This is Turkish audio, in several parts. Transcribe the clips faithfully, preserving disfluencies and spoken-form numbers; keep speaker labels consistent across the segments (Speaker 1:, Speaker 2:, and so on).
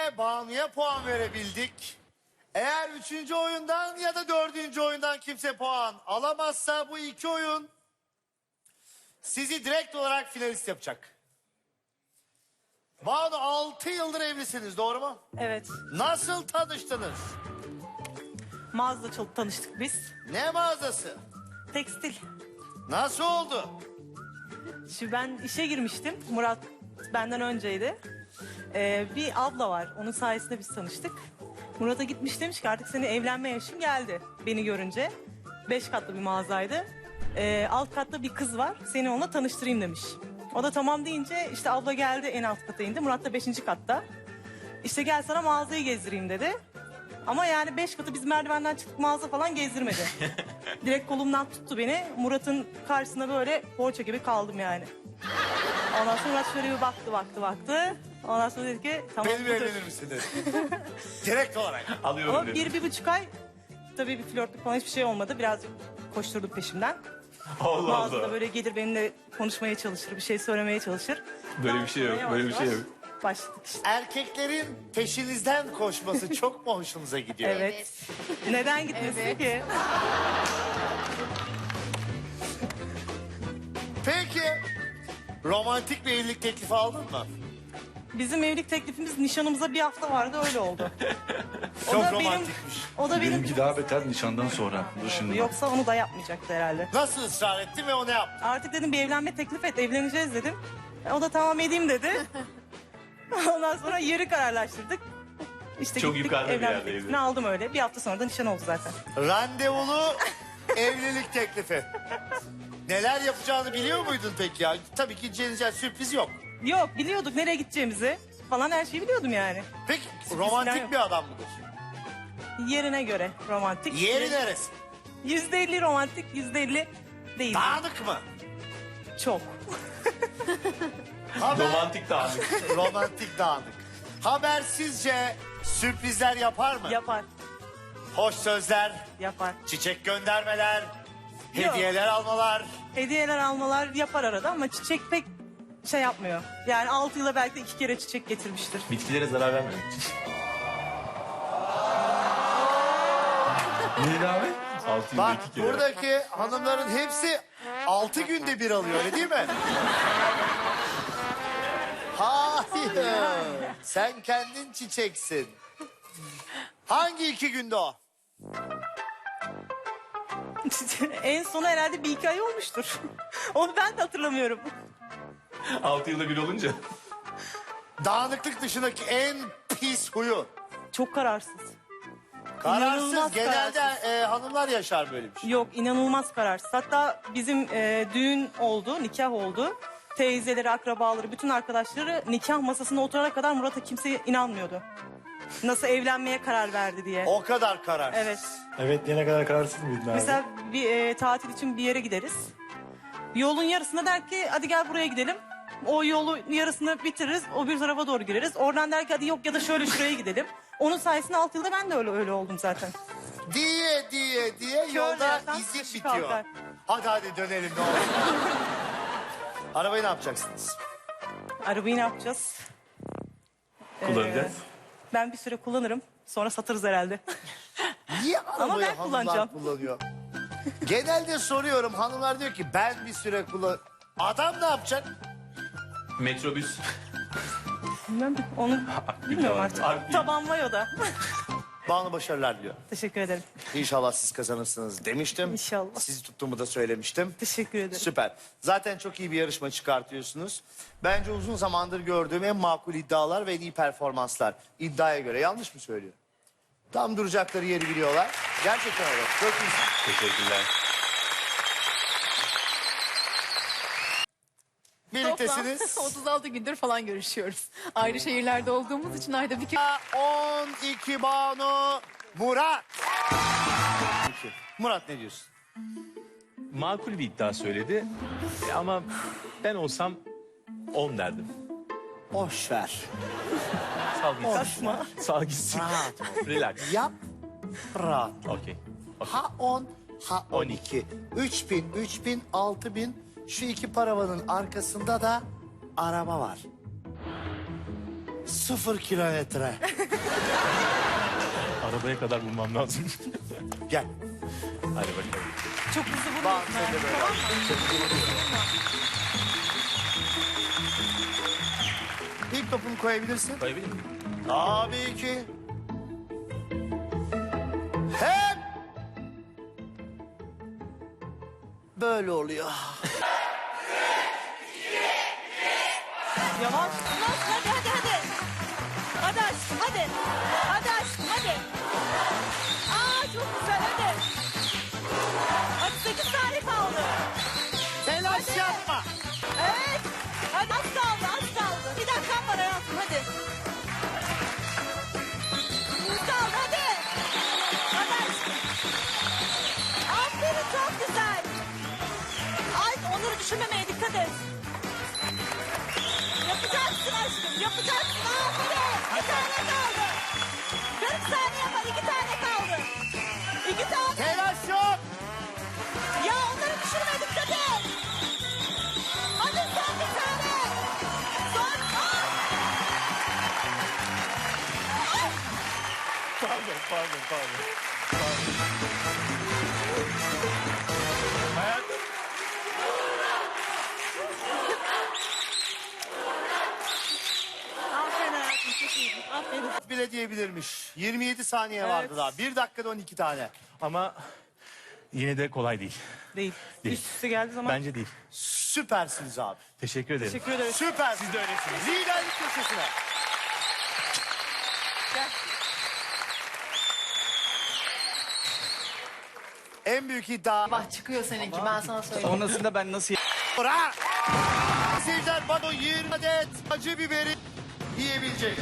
Speaker 1: Banu'ya puan verebildik. Eğer üçüncü oyundan ya da dördüncü oyundan kimse puan alamazsa bu iki oyun sizi direkt olarak finalist yapacak. Banu altı yıldır evlisiniz, doğru mu?
Speaker 2: Evet.
Speaker 1: Nasıl tanıştınız?
Speaker 2: Mağazada çok tanıştık biz.
Speaker 1: Ne mağazası?
Speaker 2: Tekstil.
Speaker 1: Nasıl oldu?
Speaker 2: Şimdi ben işe girmiştim. Murat benden önceydi. Ee, bir abla var. Onun sayesinde biz tanıştık. Murat'a gitmiş, demiş ki artık senin evlenme yaşın geldi beni görünce. Beş katlı bir mağazaydı. Ee, alt katta bir kız var. Seni onunla tanıştırayım demiş. O da tamam deyince işte abla geldi, en alt kata indi. Murat da beşinci katta. İşte gel sana mağazayı gezdireyim dedi. Ama yani beş katı biz merdivenden çıktık, mağaza falan gezdirmedi. Direkt kolumdan tuttu beni. Murat'ın karşısında böyle poğaça gibi kaldım yani. Ondan sonra Murat şöyle bir baktı baktı baktı. Ondan sonra dedi ki tamam.
Speaker 1: Benimle
Speaker 2: budur.
Speaker 1: evlenir misin dedi. Direkt olarak.
Speaker 3: Alıyorum
Speaker 2: Ama
Speaker 3: dedim.
Speaker 2: bir, bir buçuk ay tabii bir flörtlük falan hiçbir şey olmadı. Birazcık koşturduk peşimden.
Speaker 3: Allah
Speaker 2: Mağazada
Speaker 3: Allah.
Speaker 2: böyle gelir benimle konuşmaya çalışır, bir şey söylemeye çalışır.
Speaker 3: Böyle bir şey yok,
Speaker 2: Yavaş
Speaker 3: böyle bir şey
Speaker 2: yavaş
Speaker 3: yok.
Speaker 2: Başladık işte.
Speaker 1: Erkeklerin peşinizden koşması çok mu hoşunuza gidiyor?
Speaker 2: Evet. Neden gitmesin
Speaker 4: Evet.
Speaker 2: ki?
Speaker 1: Peki romantik bir evlilik teklifi aldın mı?
Speaker 2: Bizim evlilik teklifimiz nişanımıza bir hafta vardı, öyle oldu. O
Speaker 1: Çok
Speaker 2: da benim-
Speaker 1: romantikmiş.
Speaker 2: O da benim...
Speaker 5: Benimki daha beter nişandan sonra. Dur şimdi.
Speaker 2: Yoksa onu da yapmayacaktı herhalde.
Speaker 1: Nasıl ısrar ettin ve o ne yaptı?
Speaker 2: Artık dedim bir evlenme teklif et, evleneceğiz dedim. O da tamam edeyim dedi. Ondan sonra yeri kararlaştırdık. İşte
Speaker 3: Çok
Speaker 2: gittik,
Speaker 3: yukarıda bir
Speaker 2: evlenme
Speaker 3: yerdeydi.
Speaker 2: teklifini aldım öyle. Bir hafta sonra da nişan oldu zaten.
Speaker 1: Randevulu evlilik teklifi. Neler yapacağını biliyor muydun peki ya? Tabii ki Ceniciğer sürpriz yok.
Speaker 2: Yok, biliyorduk nereye gideceğimizi falan, her şeyi biliyordum yani.
Speaker 1: Peki
Speaker 2: falan
Speaker 1: romantik
Speaker 2: yok.
Speaker 1: bir adam mıdır?
Speaker 2: Yerine göre romantik.
Speaker 1: Yeri neresi?
Speaker 2: Yüzde elli romantik, yüzde elli değil.
Speaker 1: Dağınık mı?
Speaker 2: Çok.
Speaker 1: Haber...
Speaker 3: Romantik dağınık.
Speaker 1: romantik dağınık. Habersizce sürprizler yapar mı?
Speaker 2: Yapar,
Speaker 1: Hoş sözler,
Speaker 2: yapar.
Speaker 1: çiçek göndermeler,
Speaker 2: Yok.
Speaker 1: hediyeler almalar.
Speaker 2: Hediyeler almalar yapar arada ama çiçek pek şey yapmıyor. Yani altı yıla belki de iki kere çiçek getirmiştir.
Speaker 3: Bitkilere zarar vermemek için.
Speaker 5: Neydi abi?
Speaker 3: Altı
Speaker 1: Bak
Speaker 3: yılda iki kere.
Speaker 1: buradaki hanımların hepsi altı günde bir alıyor, öyle değil mi? Hayır. Sen kendin çiçeksin. Hangi iki günde o?
Speaker 2: En sonu herhalde bir iki ay olmuştur. Onu ben de hatırlamıyorum.
Speaker 3: Altı yılda bir olunca.
Speaker 1: Dağınıklık dışındaki en pis huyu.
Speaker 2: Çok kararsız.
Speaker 1: Kararsız.
Speaker 2: İnanılmaz
Speaker 1: Genelde
Speaker 2: kararsız.
Speaker 1: e, hanımlar yaşar böyle bir şey.
Speaker 2: Yok, inanılmaz kararsız. Hatta bizim e, düğün oldu, nikah oldu. Teyzeleri, akrabaları, bütün arkadaşları nikah masasına oturana kadar Murat'a kimse inanmıyordu. Nasıl evlenmeye karar verdi diye.
Speaker 1: O kadar kararsız.
Speaker 2: Evet.
Speaker 5: Evet, yine kadar kararsız mıydın abi?
Speaker 2: Mesela bir e, tatil için bir yere gideriz. Yolun yarısında der ki hadi gel buraya gidelim. O yolu yarısını bitiririz, o bir tarafa doğru gireriz. Oradan der ki hadi yok ya da şöyle şuraya gidelim. Onun sayesinde altı yılda ben de öyle öyle oldum zaten.
Speaker 1: Diye diye diye yolda
Speaker 2: yerden
Speaker 1: izin
Speaker 2: taşı
Speaker 1: bitiyor.
Speaker 2: kalkar.
Speaker 1: Hadi hadi dönelim ne olur. Arabayı ne yapacaksınız?
Speaker 2: Arabayı ne yapacağız?
Speaker 3: Kullanacağız.
Speaker 2: Ee, ben bir süre kullanırım. Sonra satırız herhalde.
Speaker 1: Niye arabayı
Speaker 2: ben
Speaker 1: hanımlar
Speaker 2: kullanacağım.
Speaker 1: kullanıyor? Genelde soruyorum, hanımlar diyor ki ben bir süre kullan... Adam ne yapacak?
Speaker 3: Metrobüs.
Speaker 2: Bilmem, onu bilmiyorum artık.
Speaker 3: Akbil.
Speaker 2: Taban var o da.
Speaker 1: Bana başarılar diliyor.
Speaker 2: Teşekkür ederim.
Speaker 1: İnşallah siz kazanırsınız demiştim.
Speaker 2: İnşallah.
Speaker 1: Sizi tuttuğumu da söylemiştim.
Speaker 2: Teşekkür ederim.
Speaker 1: Süper. Zaten çok iyi bir yarışma çıkartıyorsunuz. Bence uzun zamandır gördüğüm en makul iddialar ve en iyi performanslar. İddiaya göre yanlış mı söylüyorum? Tam duracakları yeri biliyorlar. Gerçekten öyle. Çok iyi.
Speaker 3: Teşekkürler.
Speaker 1: Birliktesiniz.
Speaker 4: otuz altı gündür falan görüşüyoruz. Ayrı şehirlerde olduğumuz için ayda bir kere...
Speaker 1: on iki Banu Murat. Murat ne diyorsun?
Speaker 3: Makul bir iddia söyledi. E, ama ben olsam on derdim.
Speaker 1: Boş ver.
Speaker 3: Sal gitsin.
Speaker 2: Kaçma.
Speaker 3: Sal gitsin.
Speaker 1: Rahat ol.
Speaker 3: Relax.
Speaker 1: Yap. Rahat.
Speaker 3: Okey.
Speaker 1: Ha on, ha on iki. Üç bin, üç bin, altı bin. Şu iki paravanın arkasında da araba var. Sıfır kilometre.
Speaker 3: Arabaya kadar bulmam lazım.
Speaker 1: Gel.
Speaker 3: Hadi bakalım.
Speaker 2: Çok hızlı
Speaker 1: Bak,
Speaker 2: vurmuyorsun.
Speaker 1: sen de
Speaker 2: yani,
Speaker 1: böyle.
Speaker 2: Tamam mı?
Speaker 1: İlk topunu koyabilirsin.
Speaker 3: Koyabilir miyim?
Speaker 1: Tabii ki. Hep böyle oluyor.
Speaker 2: Yavaş. Yavaş hadi hadi hadi. Hadi aşkım hadi. Hadi aşkım hadi. Aa çok güzel hadi. Hadi sekiz saniye kaldı.
Speaker 1: Telaş yapma.
Speaker 2: Evet. Hadi az kaldı az kaldı. Bir dakikam var hayatım hadi. Az kaldı hadi. Hadi aşkım. Aferin çok güzel. Ay onları düşünmemeye dikkat et. Yapacaksın aşkım yapacaksın. Aferin. Bir tane kaldı. kırk saniye var iki tane kaldı. İki tane.
Speaker 1: Telaş yok.
Speaker 2: Ya onları düşürme dikkat et. Hadi son bir tane. Son. Aa!
Speaker 3: Pardon, pardon, pardon. Hayatım.
Speaker 2: Aferin hayatım çok iyiydin. Aferin.
Speaker 1: Bile diyebilirmiş. yirmi yedi saniye
Speaker 2: Evet.
Speaker 1: vardı daha. bir dakikada on iki tane.
Speaker 3: Ama yine de kolay değil.
Speaker 2: Değil.
Speaker 3: Değil.
Speaker 2: Üst üste geldiği zaman
Speaker 3: Bence değil.
Speaker 1: Süpersiniz abi.
Speaker 3: Teşekkür ederim.
Speaker 2: teşekkür ederiz.
Speaker 1: Süper. Siz de öylesiniz. Liderlik köşesine.
Speaker 2: Gel.
Speaker 1: En büyük iddia.
Speaker 4: Bak çıkıyor seninki ben sana söyleyeyim.
Speaker 5: Sonrasında ben nasıl
Speaker 1: Bora. Seyirciler bana yirmi adet acı biberi yiyebilecek.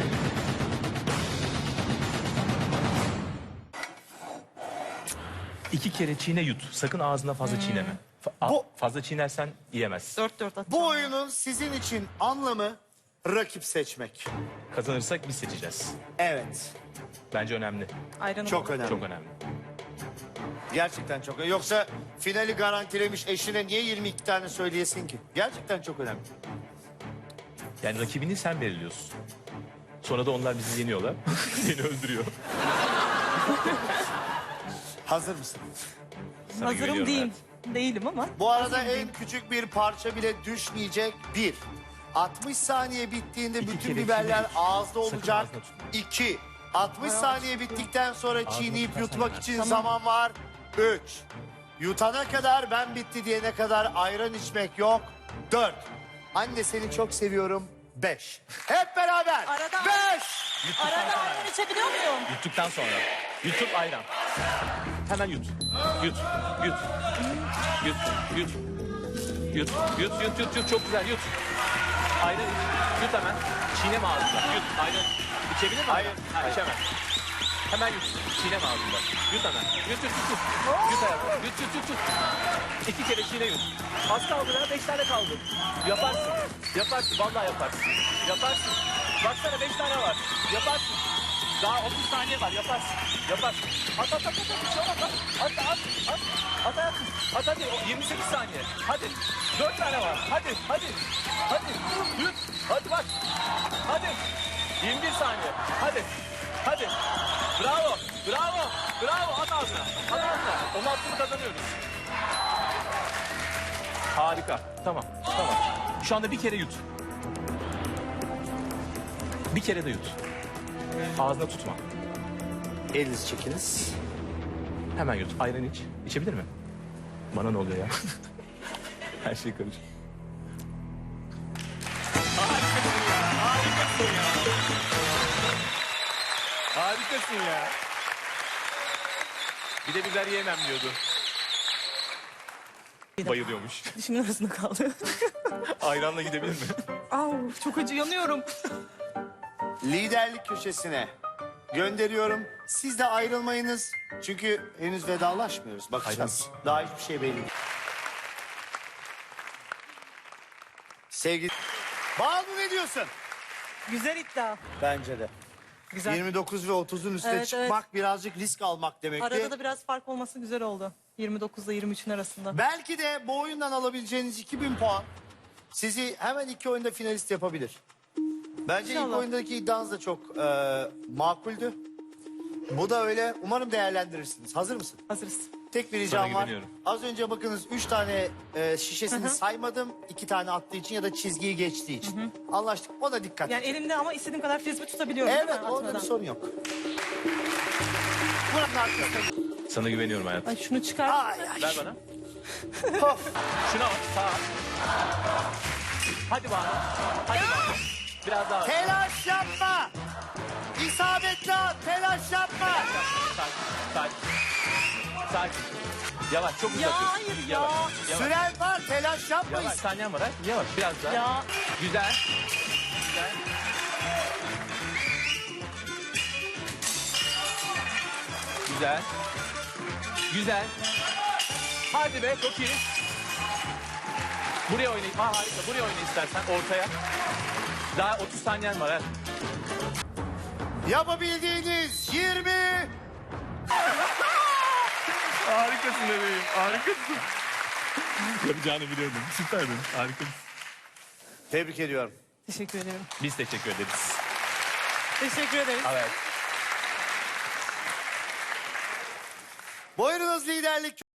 Speaker 3: İki kere çiğne yut. Sakın ağzına fazla çiğneme. Fa- a-
Speaker 1: Bu-
Speaker 3: Fazla çiğnersen yiyemezsin.
Speaker 2: Dört dört at.
Speaker 1: Bu oyunun sizin için anlamı rakip seçmek.
Speaker 3: Kazanırsak biz seçeceğiz.
Speaker 1: Evet.
Speaker 3: Bence önemli.
Speaker 2: Ayranı
Speaker 1: Çok
Speaker 2: bol.
Speaker 1: önemli.
Speaker 3: Çok önemli.
Speaker 1: Gerçekten çok önemli. Yoksa finali garantilemiş eşine niye yirmi iki tane söyleyesin ki? Gerçekten çok önemli.
Speaker 3: Yani rakibini sen belirliyorsun. Sonra da onlar bizi yeniyorlar. Seni öldürüyor.
Speaker 1: Hazır mısın?
Speaker 3: Sana
Speaker 2: Hazırım
Speaker 3: güveniyorum
Speaker 2: diyeyim. Değilim ama.
Speaker 1: Bu arada en küçük bir parça bile düşmeyecek. Bir. altmış saniye bittiğinde
Speaker 3: İki
Speaker 1: bütün
Speaker 3: kere
Speaker 1: biberler
Speaker 3: çiğne.
Speaker 1: ağızda
Speaker 3: Sakın
Speaker 1: olacak.
Speaker 3: ağzına tutma.
Speaker 1: İki. altmış saniye bittikten sonra
Speaker 3: Ağzına
Speaker 1: çiğneyip
Speaker 3: tutarsan
Speaker 1: yutmak
Speaker 3: yemez.
Speaker 1: için zaman var. Üç. Yutana kadar ben bitti diyene kadar ayran içmek yok. Dört. Anne seni çok seviyorum. Beş. Hep beraber.
Speaker 2: Arada-
Speaker 1: Beş.
Speaker 2: Arada ayran içebiliyor muyum?
Speaker 3: Yuttuktan sonra. Yutup ayran. Hemen yut. Yut. Yut. Yut. Yut. Yut. Yut. Yut. Yut. Yut. Çok güzel. Yut. Ayran iç. Yut hemen. Çiğneme ağzında. Yut. Ayran. İçebilir mi?
Speaker 1: Hayır.
Speaker 3: Hayır. İçemez. Hemen yut. Çiğneme ağzında. Yut hemen. Yut. Yut. Yut. Yut. Yut hayatım. Yut. Yut. Yut. Yut. İki kere çiğne yut. Az kaldı ya. Beş tane kaldı. Yaparsın. Yaparsın. Vallahi yaparsın. Yaparsın. Baksana beş tane var. Yaparsın. Daha otuz saniye var. Yaparsın. Yaparsın. At at at at. at. Bir şey olmaz. At at at. At. At hayatım. At hadi. O yirmi sekiz saniye. Hadi. Dört tane var. Hadi. Hadi. Hadi. Yut. Hadi bak. Hadi. yirmi bir saniye. Hadi. Hadi. Bravo. Bravo. Bravo. At ağzına. At ağzına. Onu attığını kazanıyoruz. Harika. Tamam. Tamam. Şu anda bir kere yut. Bir kere de yut. Ağzına tutma.
Speaker 1: Elinizi çekiniz.
Speaker 3: Hemen yut. Ayran iç. İçebilir mi? Bana ne oluyor ya? Her şey karışık. Harikasın ya. Harikasın ya. Harikasın ya. Bir de biber yiyemem diyordu. Bayılıyormuş.
Speaker 2: Dişimin arasında kaldı.
Speaker 3: Ayranla gidebilir mi?
Speaker 2: Au, çok acı yanıyorum.
Speaker 1: Liderlik köşesine gönderiyorum. Siz de ayrılmayınız. Çünkü henüz vedalaşmıyoruz. Bakacağız. Daha hiçbir şey belli değil. Sevgili... Banu ne diyorsun?
Speaker 2: Güzel iddia.
Speaker 1: Bence de.
Speaker 2: Güzel.
Speaker 1: yirmi dokuz ve otuzun üstüne
Speaker 2: Evet,
Speaker 1: çıkmak birazcık risk almak demekti.
Speaker 2: Arada da biraz fark olması güzel oldu. yirmi dokuzla yirmi üçün arasında.
Speaker 1: Belki de bu oyundan alabileceğiniz iki bin puan sizi hemen iki oyunda finalist yapabilir. Bence ilk
Speaker 2: İnşallah.
Speaker 1: oyundaki iddianız da çok e, makuldü. Bu da öyle. Umarım değerlendirirsiniz. Hazır mısın?
Speaker 2: Hazırız.
Speaker 1: Tek bir ricam var.
Speaker 3: güveniyorum.
Speaker 1: Az önce bakınız üç tane e, şişesini saymadım. iki tane attığı için ya da çizgiyi geçtiği için. Anlaştık. Ona dikkat.
Speaker 2: Yani elimde ama istediğim kadar frisbee tutabiliyorum
Speaker 1: Evet,
Speaker 2: değil mi?
Speaker 1: orada bir
Speaker 2: Atmadan.
Speaker 1: sorun yok. Buranın arkasında.
Speaker 3: Sana güveniyorum hayatım.
Speaker 2: Ay şunu çıkar.
Speaker 1: Ay ay.
Speaker 3: Ver bana.
Speaker 1: Of.
Speaker 3: Şuna bak. Sağa. Hadi bana. Hadi bana. Biraz daha.
Speaker 1: Telaş yapma. İsabetli at. Telaş yapma.
Speaker 3: Sakin. Sakin. Sakin. Yavaş. Çok uzak.
Speaker 2: Ya hayır ya.
Speaker 3: Yavaş. Yavaş.
Speaker 1: Süren var. Telaş yapmayın.
Speaker 3: Yavaş. Saniyen var ha. Yavaş. Biraz daha.
Speaker 2: Ya
Speaker 3: Güzel. Güzel. Güzel. Güzel. Hadi be çok iyi. Buraya oynayayım. Ha harika. Buraya oyna istersen ortaya. Daha otuz saniyen var ha.
Speaker 1: Yapabildiğiniz yirmi.
Speaker 5: Harikasın bebeğim. Harikasın. Yapacağını biliyordum. Süperdin. Harikasın.
Speaker 1: Tebrik ediyorum.
Speaker 2: teşekkür ederim.
Speaker 3: Biz teşekkür ederiz.
Speaker 2: Teşekkür ederim.
Speaker 3: Evet.
Speaker 1: Buyurunuz liderlik.